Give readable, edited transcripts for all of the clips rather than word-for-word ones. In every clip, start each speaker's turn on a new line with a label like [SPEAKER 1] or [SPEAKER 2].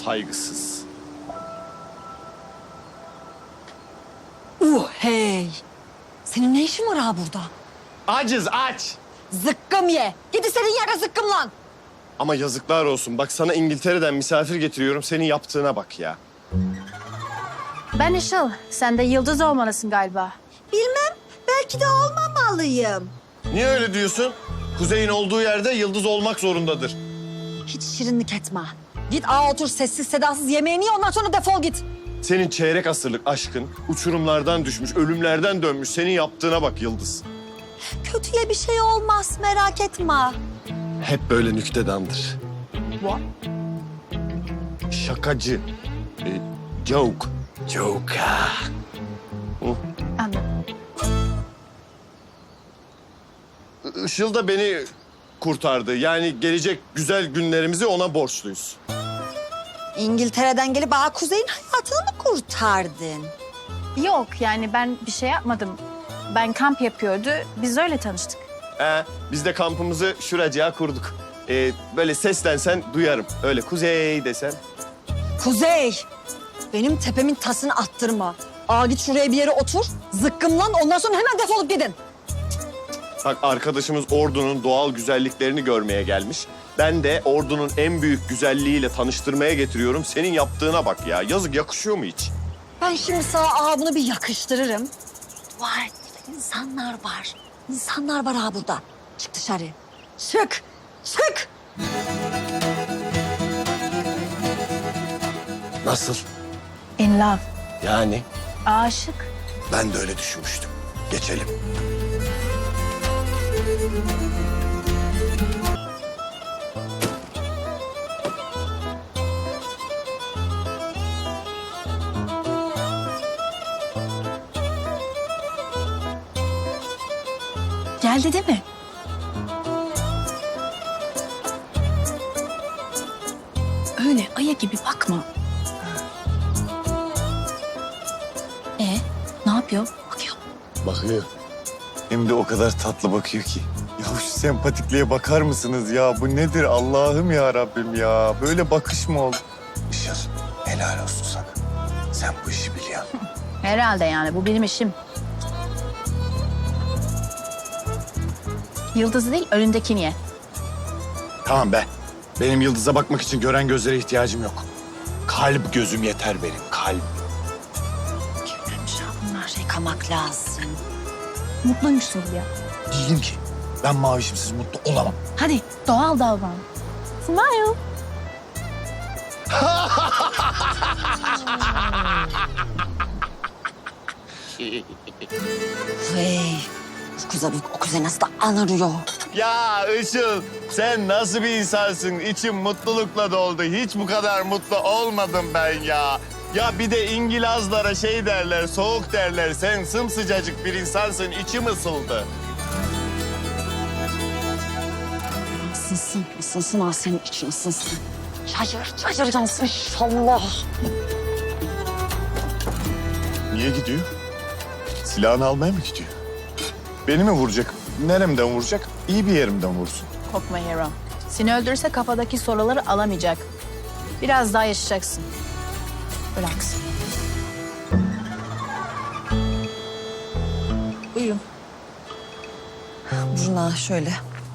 [SPEAKER 1] saygısız.
[SPEAKER 2] Hey! Senin ne işin var ha burada?
[SPEAKER 1] Aciz aç.
[SPEAKER 2] Zıkkım ye. Git senin yere zıkkım lan.
[SPEAKER 1] Ama yazıklar olsun. Bak sana İngiltere'den misafir getiriyorum. Senin yaptığına bak ya.
[SPEAKER 3] Ben Işıl. Sen de Yıldız olmalısın galiba.
[SPEAKER 2] Bilmem. Belki de olmamalıyım.
[SPEAKER 1] Niye öyle diyorsun? Kuzey'in olduğu yerde yıldız olmak zorundadır.
[SPEAKER 2] Hiç şirinlik etme. Git otur sessiz sedasız yemeğini ye ondan sonra defol git.
[SPEAKER 1] Senin çeyrek asırlık aşkın uçurumlardan düşmüş, ölümlerden dönmüş. Senin yaptığına bak Yıldız.
[SPEAKER 2] Kötüye bir şey olmaz merak etme.
[SPEAKER 1] Hep böyle nüktedandır.
[SPEAKER 3] What?
[SPEAKER 1] Şakacı. Joke. Joke.
[SPEAKER 3] Anladım.
[SPEAKER 1] Işıl da beni kurtardı. Yani gelecek güzel günlerimizi ona borçluyuz.
[SPEAKER 2] İngiltere'den gelip Kuzey'in hayatını mı kurtardın?
[SPEAKER 3] Yok yani ben bir şey yapmadım. Ben kamp yapıyordu. Biz öyle tanıştık.
[SPEAKER 1] Biz de kampımızı şuracığa kurduk. Böyle seslensen duyarım. Öyle Kuzey desen.
[SPEAKER 2] Kuzey! Benim tepemin tasını attırma. Git şuraya bir yere otur, zıkkımlan ondan sonra hemen defolup gidin.
[SPEAKER 1] Bak arkadaşımız Ordu'nun doğal güzelliklerini görmeye gelmiş. Ben de Ordu'nun en büyük güzelliğiyle tanıştırmaya getiriyorum. Senin yaptığına bak ya. Yazık yakışıyor mu hiç?
[SPEAKER 2] Ben şimdi sana bunu bir yakıştırırım. Var, insanlar var. İnsanlar var burada. Çık dışarı. Çık, çık.
[SPEAKER 1] Nasıl?
[SPEAKER 3] In love.
[SPEAKER 1] Yani?
[SPEAKER 3] Aşık.
[SPEAKER 1] Ben de öyle düşünmüştüm. Geçelim.
[SPEAKER 3] Geldi değil mi? Öyle aya gibi bakma. Ne yapıyor? Bakıyor.
[SPEAKER 4] Bakıyor. Hem de o kadar tatlı bakıyor ki. Ya şu sempatikliğe bakar mısınız ya? Bu nedir Allah'ım ya Rabbim ya? Böyle bakış mı olur? Işıl, helal olsun sana. Sen bu işi biliyorsun.
[SPEAKER 3] Herhalde yani bu benim işim. Yıldızı değil önündekini ye.
[SPEAKER 4] Tamam be. Benim yıldıza bakmak için gören gözlere ihtiyacım yok. Kalp gözüm yeter benim, kalp.
[SPEAKER 2] Bunlar yıkamak lazım.
[SPEAKER 3] Mutluymuşsun gibi ya.
[SPEAKER 4] Değilim ki. Ben mavişimsiz mutlu olamam.
[SPEAKER 3] Hadi doğal davran. Smile.
[SPEAKER 2] Hey, o kuzey nasıl da anırıyor.
[SPEAKER 1] Ya Işıl, sen nasıl bir insansın? İçim mutlulukla doldu. Hiç bu kadar mutlu olmadım ben ya. Ya bir de İngilizlere şey derler, soğuk derler. Sen sımsıcacık bir insansın, içim ısıldı.
[SPEAKER 2] Isınsın senin için ısınsın. Şaşıracaksın inşallah.
[SPEAKER 4] Niye gidiyor? Silahını almaya mı gidiyor? Beni mi vuracak? Neremden vuracak? İyi bir yerimden vursun.
[SPEAKER 3] Korkma Hero. Seni öldürürse kafadaki soruları alamayacak. Biraz daha yaşayacaksın. Relax. Uyuyun.
[SPEAKER 2] Buruna şöyle.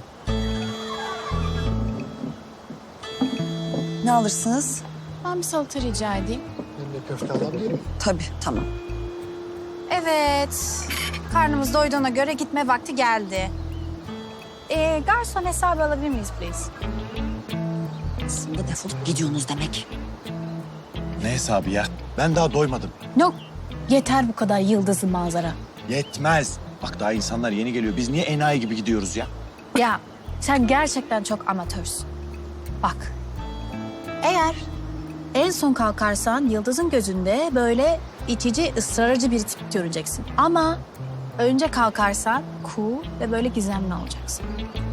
[SPEAKER 2] Ne alırsınız?
[SPEAKER 3] Ben bir salata rica edeyim.
[SPEAKER 2] Tabii, tamam.
[SPEAKER 3] Evet. Karnımız doyduğuna göre gitme vakti geldi. Garson hesabı alabilir miyiz please?
[SPEAKER 2] Aslında defolup gidiyorsunuz demek.
[SPEAKER 4] Ne hesabı ya? Ben daha doymadım.
[SPEAKER 3] Yok. Yeter bu kadar yıldızlı manzara.
[SPEAKER 4] Yetmez. Bak daha insanlar yeni geliyor. Biz niye enayi gibi gidiyoruz ya?
[SPEAKER 3] Ya sen gerçekten çok amatörsün. Bak. Eğer en son kalkarsan Yıldız'ın gözünde böyle itici, ısrarcı bir tip göreceksin. Ama önce kalkarsan cool ve böyle gizemli olacaksın.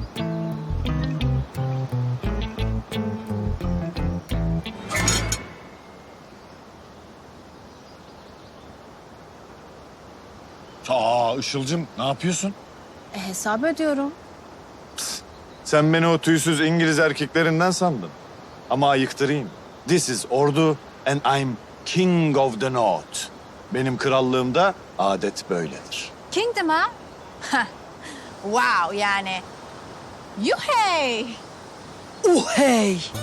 [SPEAKER 4] Işıl'cığım ne yapıyorsun?
[SPEAKER 3] Hesap ödüyorum.
[SPEAKER 4] Sen beni o tüysüz İngiliz erkeklerinden sandın. Ama ayıktırayım.
[SPEAKER 1] This is Ordu and I'm King of the North. Benim krallığımda adet böyledir.
[SPEAKER 3] Kingdom ha? Wow yani. Yuhey!
[SPEAKER 2] Hey!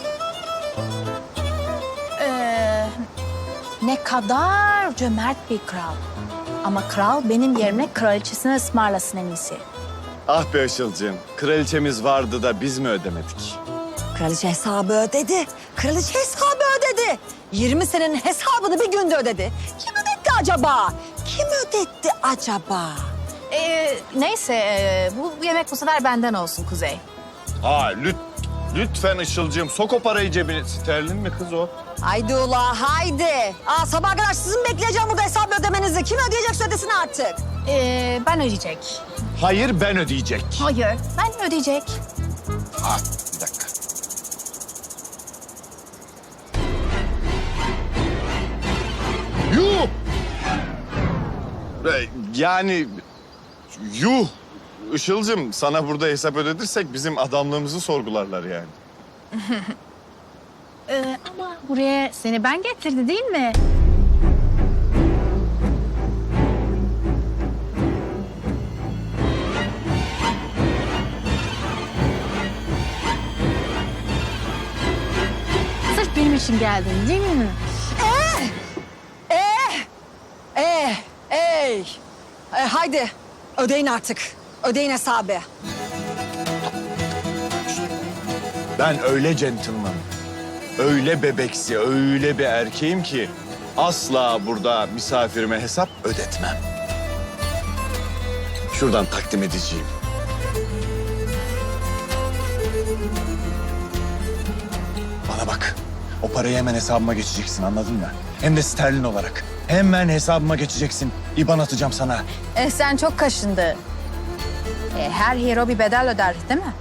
[SPEAKER 3] Ne kadar cömert bir kral. Ama kral benim yerime kraliçesine ısmarlasın en iyisi.
[SPEAKER 1] Ah be Işıl'cığım, kraliçemiz vardı da biz mi ödemedik?
[SPEAKER 2] Kraliçe hesabı ödedi. Kraliçe hesabı ödedi. 20 senenin hesabını bir günde ödedi. Kim ödetti acaba? Kim ödetti acaba?
[SPEAKER 3] Neyse bu yemek bu sefer benden olsun Kuzey.
[SPEAKER 1] Ha lütfen Işıl'cığım sok o parayı cebine. Sterlin mi kız o?
[SPEAKER 2] Haydi ula haydi. Sabah kadar sizin bekleyeceğim burada hesabı ödemenizi. Kim ödeyecekse ödesin artık.
[SPEAKER 3] Ben ödeyecek.
[SPEAKER 1] Hayır ben ödeyecek.
[SPEAKER 3] Hayır, ben ödeyecek.
[SPEAKER 1] Ha bir dakika. Yuh! Yani yuh! Işıl'cığım sana burada hesap ödedirsek bizim adamlığımızı sorgularlar yani.
[SPEAKER 3] Ama buraya seni ben getirdi değil mi? Sırf benim için geldin değil mi?
[SPEAKER 2] Haydi ödeyin artık. Ödeyin hesabı.
[SPEAKER 1] Ben öyle gentleman, öyle bebeksi, öyle bir erkeğim ki asla burada misafirime hesap ödetmem. Şuradan takdim edeceğim. Bana bak, o parayı hemen hesabıma geçeceksin anladın mı? Hem de sterlin olarak. Hemen hesabıma geçeceksin. İban atacağım sana.
[SPEAKER 3] Sen çok kaşındı. Her hero bir bedel öder değil mi?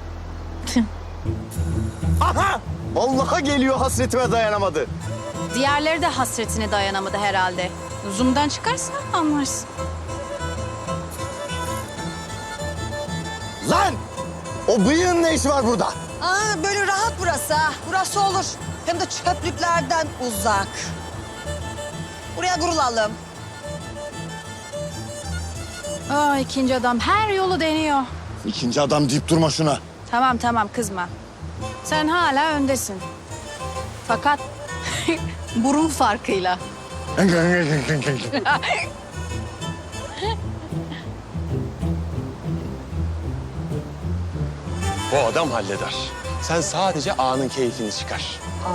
[SPEAKER 1] Aha! Vallahi geliyor hasretime dayanamadı.
[SPEAKER 3] Diğerleri de hasretine dayanamadı herhalde. Zoom'dan çıkarsan anlarsın.
[SPEAKER 1] Lan! O bıyığın ne işi var burada?
[SPEAKER 2] Böyle rahat burası ha. Burası olur. Hem de çöplüklerden uzak. Buraya kurulalım.
[SPEAKER 3] İkinci adam her yolu deniyor.
[SPEAKER 1] İkinci adam deyip durma şuna.
[SPEAKER 3] Tamam kızma. Sen hala öndesin. Fakat burun farkıyla.
[SPEAKER 5] Bu adam halleder. Sen sadece anın keyfini çıkar.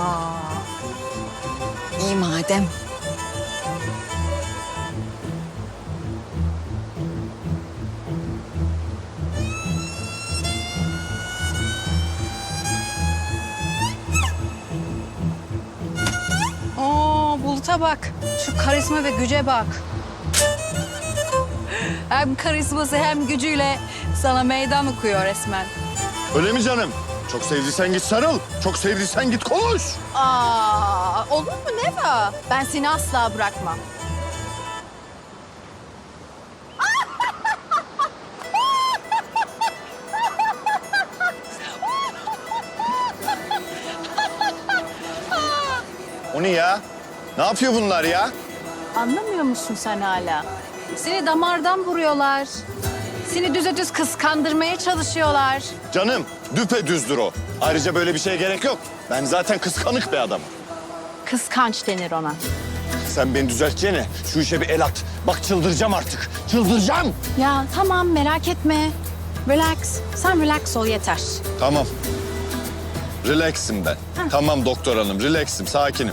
[SPEAKER 2] İyi madem.
[SPEAKER 3] Bulut'a bak. Şu karizma ve güce bak. Hem karizması hem gücüyle sana meydan okuyor resmen.
[SPEAKER 1] Öyle mi canım? Çok sevdiysen git sarıl. Çok sevdiysen git konuş.
[SPEAKER 3] Olur mu Neva? Ben seni asla bırakmam.
[SPEAKER 1] O ne ya? Ne yapıyor bunlar ya?
[SPEAKER 3] Anlamıyor musun sen hala? Seni damardan vuruyorlar. Seni düz kıskandırmaya çalışıyorlar.
[SPEAKER 1] Canım düpedüzdür o. Ayrıca böyle bir şeye gerek yok. Ben zaten kıskanık bir adamım.
[SPEAKER 3] Kıskanç denir ona.
[SPEAKER 1] Sen beni düzelteceğine şu işe bir el at. Bak çıldıracağım artık. Çıldıracağım.
[SPEAKER 3] Ya tamam merak etme. Relax. Sen relax ol yeter.
[SPEAKER 1] Tamam. Relax'im ben. Tamam doktor hanım, relax'im, sakinim.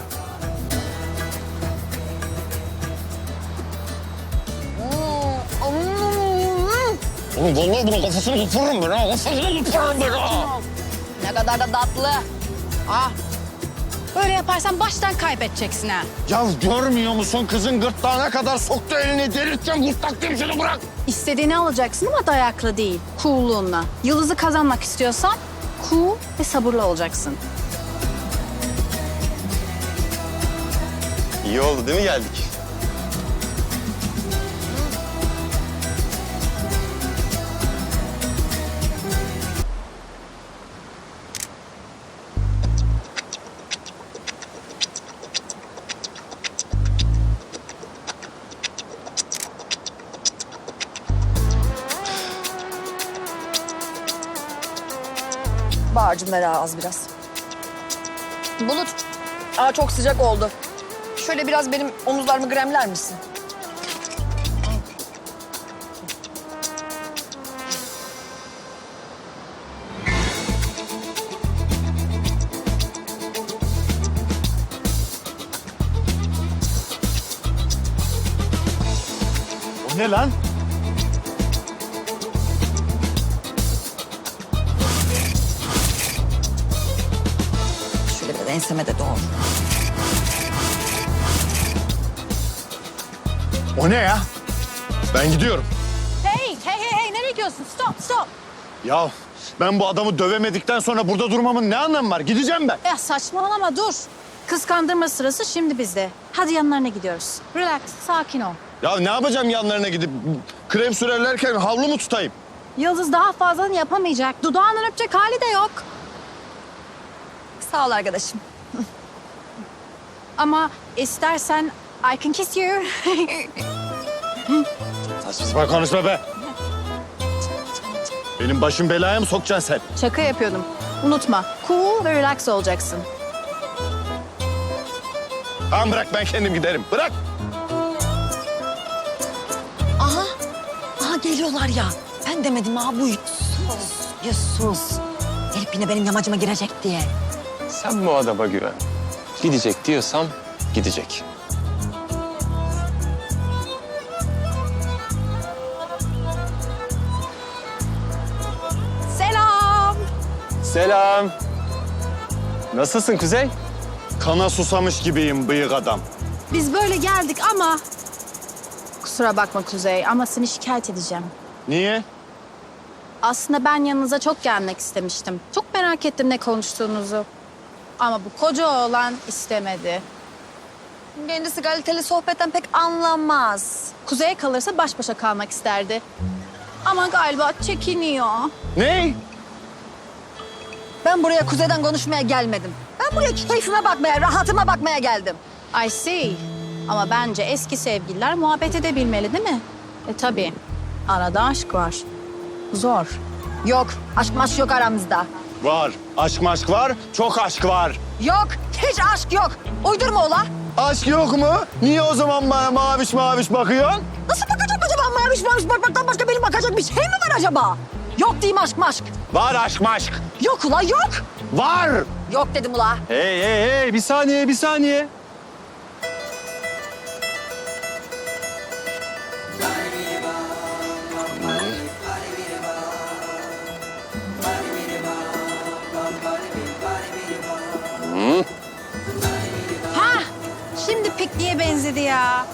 [SPEAKER 1] Oğlum vallahi bunun kafasını koparırım ben ha. Kafasını koparırım ben ha.
[SPEAKER 3] Ne kadar da tatlı. Böyle yaparsan baştan kaybedeceksin ha.
[SPEAKER 1] Ya görmüyor musun kızın gırtlağına kadar soktu elini delirteceğim. Gırtlak demişini bırak.
[SPEAKER 3] İstediğini alacaksın ama dayaklı değil. Cool'luğunla. Yıldızı kazanmak istiyorsan cool ve sabırlı olacaksın.
[SPEAKER 5] İyi oldu değil mi geldik?
[SPEAKER 2] Bahar'cığım ver az biraz. Bulut, çok sıcak oldu. Şöyle biraz benim omuzlarımı gremler misin?
[SPEAKER 1] O ne lan?
[SPEAKER 2] Şöyle biraz enseme de doğru.
[SPEAKER 1] O ne ya? Ben gidiyorum.
[SPEAKER 3] Hey, nereye gidiyorsun? Stop.
[SPEAKER 1] Ya ben bu adamı dövemedikten sonra burada durmamın ne anlamı var? Gideceğim ben.
[SPEAKER 3] Ya saçmalama dur. Kıskandırma sırası şimdi bizde. Hadi yanlarına gidiyoruz. Relax, sakin ol.
[SPEAKER 1] Ya ne yapacağım yanlarına gidip krem sürerlerken havlu mu tutayım?
[SPEAKER 3] Yıldız daha fazlasını yapamayacak. Dudağından öpecek hali de yok.
[SPEAKER 2] Sağ ol arkadaşım.
[SPEAKER 3] Ama istersen I can kiss you.
[SPEAKER 1] Saçma sapan konuşma be. Benim başım belaya mı sokacaksın sen?
[SPEAKER 3] Şaka yapıyordum. Unutma, cool ve relax olacaksın.
[SPEAKER 1] Tamam bırak ben kendim giderim. Bırak.
[SPEAKER 2] Aha geliyorlar ya. Ben demedim ha bu Yusuf. Herif yine benim yamacıma girecek diye.
[SPEAKER 5] Sen bu adama güven. Gidecek diyorsam gidecek.
[SPEAKER 3] Selam.
[SPEAKER 5] Selam. Nasılsın Kuzey?
[SPEAKER 1] Kana susamış gibiyim bıyık adam.
[SPEAKER 3] Biz böyle geldik ama... Kusura bakma Kuzey ama seni şikayet edeceğim.
[SPEAKER 1] Niye?
[SPEAKER 3] Aslında ben yanınıza çok gelmek istemiştim. Çok merak ettim ne konuştuğunuzu. Ama bu koca oğlan istemedi.
[SPEAKER 2] Kendisi kaliteli sohbetten pek anlamaz.
[SPEAKER 3] Kuzey'e kalırsa baş başa kalmak isterdi. Ama galiba çekiniyor.
[SPEAKER 1] Ne?
[SPEAKER 2] Ben buraya kuzeyden konuşmaya gelmedim. Ben buraya keyfime bakmaya, rahatıma bakmaya geldim.
[SPEAKER 3] I see. Ama bence eski sevgililer muhabbet edebilmeli değil mi? Tabii. Arada aşk var. Zor.
[SPEAKER 2] Yok, aşk maşk yok aramızda.
[SPEAKER 1] Var. Aşk maşk var. Çok aşk var.
[SPEAKER 2] Yok, hiç aşk yok. Uydurma ola.
[SPEAKER 1] Aşk yok mu? Niye o zaman bana maviş maviş bakıyorsun?
[SPEAKER 2] Nasıl bakacak acaba? Maviş maviş bakmaktan başka benim bakacak bir şey mi var acaba? Yok diyeyim aşk maşk.
[SPEAKER 1] Var aşk maşk.
[SPEAKER 2] Yok ula yok.
[SPEAKER 1] Var.
[SPEAKER 2] Yok dedim ula.
[SPEAKER 5] Hey, bir saniye.
[SPEAKER 3] Ha! Şimdi pikniğe benzedi ya.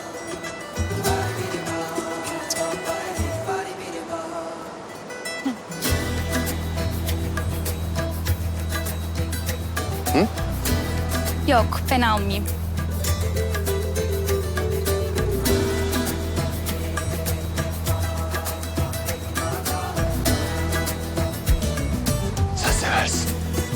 [SPEAKER 6] Yok, ben almayayım.
[SPEAKER 1] Sen seversin.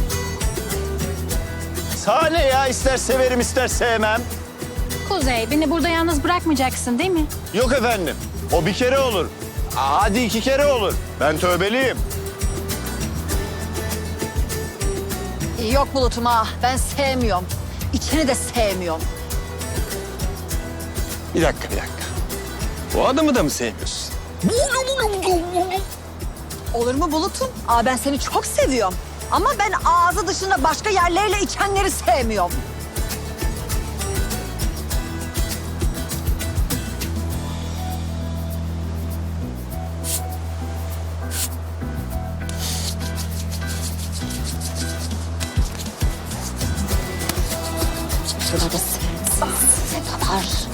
[SPEAKER 1] Sahne ya ister severim ister sevmem.
[SPEAKER 3] Kuzey, beni burada yalnız bırakmayacaksın değil mi?
[SPEAKER 1] Yok efendim. O bir kere olur. Hadi 2 kere olur. Ben tövbeliyim.
[SPEAKER 2] Yok Bulut'um ha. Ben sevmiyorum. İçini de sevmiyorum.
[SPEAKER 5] Bir dakika. Bu adamı da mı sevmiyorsun?
[SPEAKER 2] Olur mu Bulut'um? Ben seni çok seviyorum. Ama ben ağzı dışında başka yerleriyle içenleri sevmiyorum. Şurada sensiz kadar.